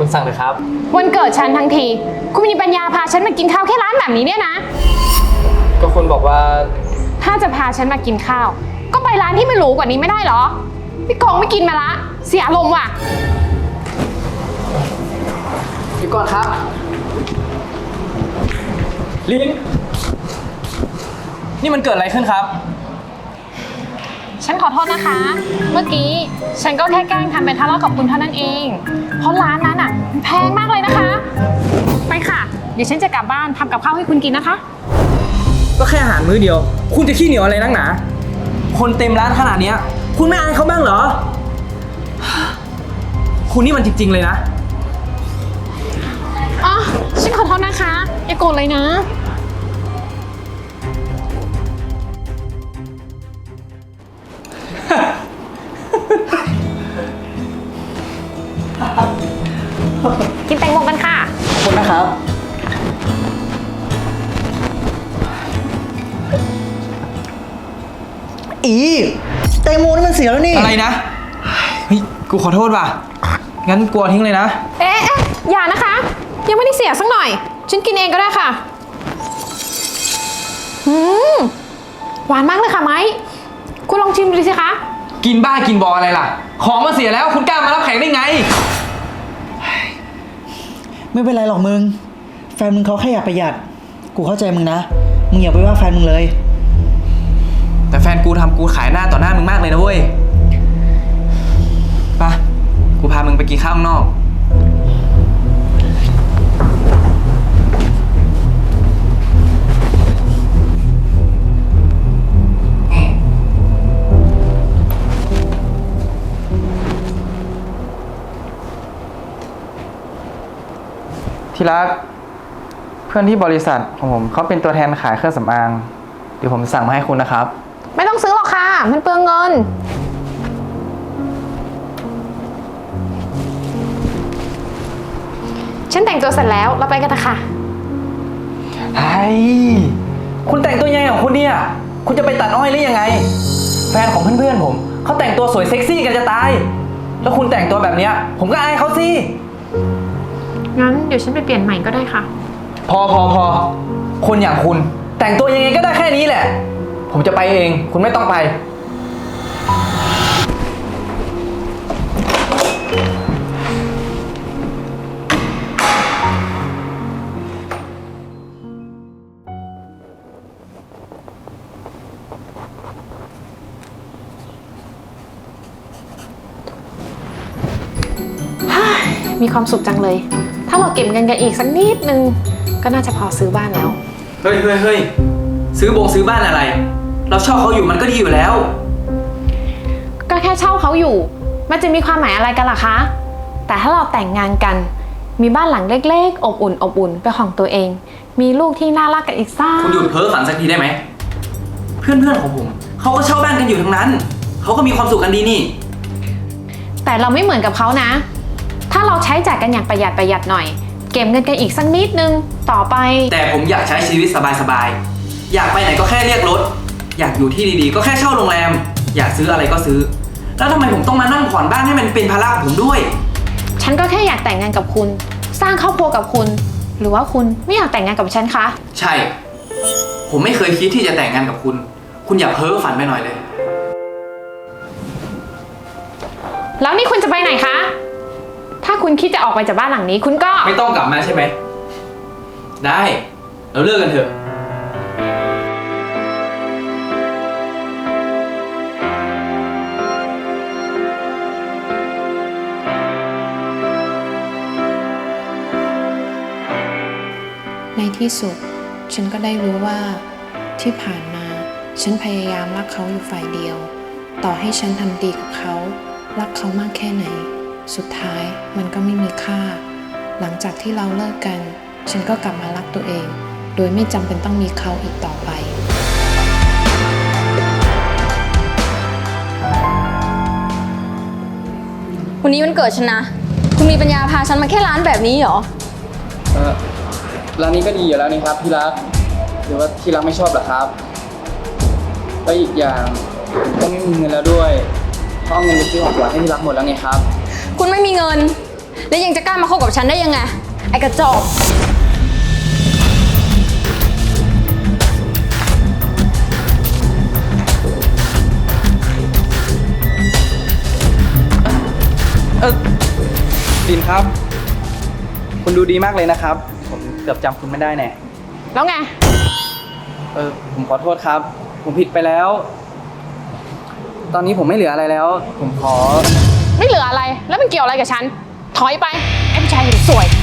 คุณสั่งเลยครับวันเกิดฉันทั้งทีคุณมีปัญญาพาฉันมากินข้าวแค่ร้านแบบนี้เนี่ยนะก็คุณบอกว่าถ้าจะพาฉันมากินข้าวก็ไปร้านที่ไม่หรูกว่านี้ไม่ได้เหรอพี่กองไม่กินมาละเสียอารมณ์ว่ะเดี๋ยวก่อนครับลินนี่มันเกิดอะไรขึ้นครับฉันขอโทษนะคะ เมื่อกี้ฉันก็แค่แกล้งทำเป็นทะเลาะกับคุณเท่านั้นเอง เพราะร้านนั้นอ่ะมันแพงมากเลยนะคะ ไปค่ะ เดี๋ยวฉันจะกลับบ้านทำกับข้าวให้คุณกินนะคะก็แค่อาหารมื้อเดียว คุณจะขี้เหนียวอะไรนักหนา คนเต็มร้านขนาดเนี้ยคุณไม่อายเขาบ้างเหรอ คุณนี่มันจริงๆเลยนะอ๋อ ฉันขอโทษนะคะ อย่าโกรธเลยนะ กินแตงโมกันค่ะขอบคุณนะครับแตงโมนี่มันเสียแล้วนี่อะไรนะ เฮ้ย กูขอโทษว่ะ งั้นกลัวทิ้งเลยนะเอ๊ะอย่านะคะ ยังไม่ได้เสียสักหน่อย ฉันกินเองก็ได้ค่ะหวานมากเลยค่ะไม้คุณลองชิมดูสิคะกินบ้ากินบออะไรล่ะ ของมันเสียแล้วคุณกล้ามารับแขกได้ไงไม่เป็นไรหรอกมึง แฟนมึงเขาแค่อยากประหยัด กูเข้าใจมึงนะ มึงอย่าไปว่าแฟนมึงเลยแต่แฟนกูทำกูขายหน้าต่อหน้ามึงมากเลยนะเว้ยไปกูพามึงไปกินข้าวข้างนอก ที่รัก เพื่อนที่บริษัทของผมเขาเป็นตัวแทนขายเครื่องสำอาง เดี๋ยวผมสั่งมาให้คุณนะครับไม่ต้องซื้อหรอกค่ะ มันเปลืองเงิน ฉันแต่งตัวเสร็จแล้ว เราไปกันนะคะไอ้คุณแต่งตัวยังไงของคุณเนี่ย คุณจะไปตัดอ้อยหรือยังไง แฟนของเพื่อนๆผมเขาแต่งตัวสวยเซ็กซี่กันจะตาย แล้วคุณแต่งตัวแบบเนี้ยผมก็อายเขาสิงั้นเดี๋ยวฉันไปเปลี่ยนใหม่ก็ได้ค่ะพอ คนอย่างคุณ แต่งตัวยังไงก็ได้แค่นี้แหละ ผมจะไปเอง คุณไม่ต้องไปมีความสุขจังเลย ถ้าเราเก็บเงินกันอีกสักนิดนึง ก็น่าจะพอซื้อบ้านแล้วเฮ้ย ซื้อบ้านอะไร เราชอบเขาอยู่มันก็ดีอยู่แล้วก็แค่เช่าเขาอยู่ มันจะมีความหมายอะไรกันล่ะคะ แต่ถ้าเราแต่งงานกัน มีบ้านหลังเล็กๆ อบอุ่นเป็นของตัวเอง มีลูกที่น่ารักกันอีกซ่าคุณหยุดเพ้อฝันสักทีได้ไหม เพื่อนๆของผมเขาก็เช่าบ้านกันอยู่ทั้งนั้น เขาก็มีความสุขกันดีนี่แต่เราไม่เหมือนกับเขานะ ถ้าเราใช้จ่ายกันอย่างประหยัดหน่อย เก็บเงินกันอีกสักนิดนึง ต่อไปแต่ผมอยากใช้ชีวิตสบายๆ อยากไปไหนก็แค่เรียกรถ อยากอยู่ที่ดีๆ ก็แค่เช่าโรงแรม อยากซื้ออะไรก็ซื้อ แล้วทำไมผมต้องมานั่งผ่อนบ้านให้มันเป็นภาระของผมด้วยฉันก็แค่อยากแต่งงานกับคุณ สร้างครอบครัวกับคุณ หรือว่าคุณไม่อยากแต่งงานกับฉันคะใช่ ผมไม่เคยคิดที่จะแต่งงานกับคุณ คุณอย่าเพ้อฝันไปหน่อยเลยแล้วนี่คุณจะไปไหนคะ ถ้าคุณคิดจะออกไปจากบ้านหลังนี้ คุณก็ไม่ต้องกลับมาใช่ไหม ได้ เราเลิกกันเถอะในที่สุด ฉันก็ได้รู้ว่าที่ผ่านมาฉันพยายามรักเขาอยู่ฝ่ายเดียว ต่อให้ฉันทำดีกับเขารักเขามากแค่ไหน สุดท้ายมันก็ไม่มีค่า หลังจากที่เราเลิกกัน ฉันก็กลับมารักตัวเอง โดยไม่จำเป็นต้องมีเขาอีกต่อไปวันนี้วันเกิดฉันนะ คุณมีปัญญาพาฉันมาแค่ร้านแบบนี้เหรอร้านนี้ก็ดีอยู่แล้วนี่ครับที่รักหรือว่าที่รักไม่ชอบเหรอครับแล้วอีกอย่างผมก็ไม่มีเงินแล้วด้วยเพราะเอาเงินไปซื้อของขวัญให้ที่รักหมดแล้วไงครับคุณไม่มีเงินแล้วยังจะกล้ามาคบกับฉันได้ยังไง ไอ้กระจอกลินครับ คุณดูดีมากเลยนะครับ ผมเกือบจำคุณไม่ได้แน่แล้วไงผมขอโทษครับ ผมผิดไปแล้ว ตอนนี้ผมไม่เหลืออะไรแล้ว ผมขอไม่เหลืออะไร แล้วมันเกี่ยวอะไรกับฉัน ถอยไป ไอ้ผู้ชายเห็นสวย